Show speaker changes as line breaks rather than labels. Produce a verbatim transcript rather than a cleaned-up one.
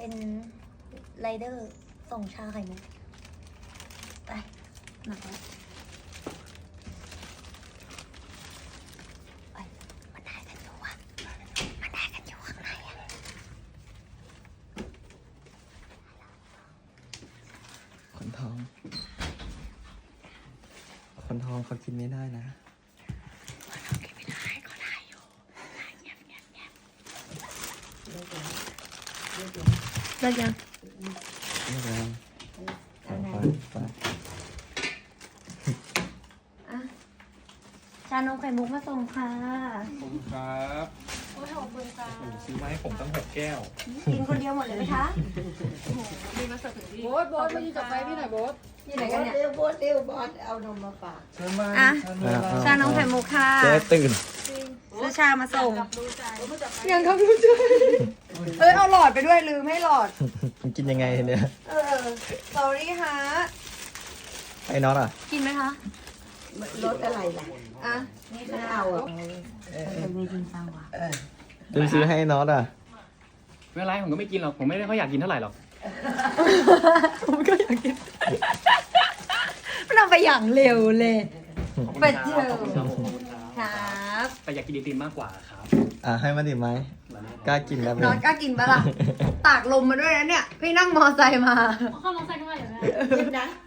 เป็นไรเดอร์ส่งชาไข่มุกไปหนักแล้วไปมันได้กันอยู่อะมันได้กันอยู่ข้างในอะ
คนท้องคนท้องเขากินไม่ได้นะ
เขากินไม่ได้เขาได้อยู่ได้เงียบเงียบเงียบเลิกยัง
ไม่เป็นไรไปไป
อ่ะชานมไข่มุกมาส่งค่ะ
ขอบคุณครับ
โอ้ยขอบคุณค่ะ
โอ้โหซื้อมาให้ผมตั้งหกแก้ว
กินคนเดียวหมดเลยไหมคะ
โบ๊ทโบ๊ทพี่จะไปพี่หน่อยโบ๊ท
อยู่ไหนกันเนี่ย
เร็วโบสเร็วบอสเอานมมาฝาก
เชิญมา
อ่ะ
เชิญมา
ชานมไข่มุกค่ะ
เจ๊ตื่น
ซื้อชามาส่ง
ยังครับรู้ใจเอ้ยเอาหลอดไปด้วยลืมให้หลอด
มันกินยังไงเนี่ย
เออ sorry ฮะ
ไอ้น็อตอ่ะ
กินไหมคะ
รถอะไรล่ะ
อ่ะ
ไม่เอาอ่ะ
ลืมซื้อให้น็อตอ่ะ
ไม่เป็นไรผมก็ไม่กินหรอก ผมไม่ได้ค่อยอยากกินเท่าไหร่หรอก
ผมก็อยากกิน
มันเอาไปอย่างเร็วเลย
ขอบคุณ
ไป
ค
เจ
รั
อ
บขอบคุณครับขอบคุณครับ
ครับ
แต่อยากกินไอติมมากกว่าครับ
อ่ะให้มันดิไหมกล้ากินแล้ว
นอนกล้ากินปะล่ะ ตากลมมาด้วยนะเนี่ย พี่นั่งมอไซค์มา
เข้าน้องใส่กันมาอยู่นะ
กินนะ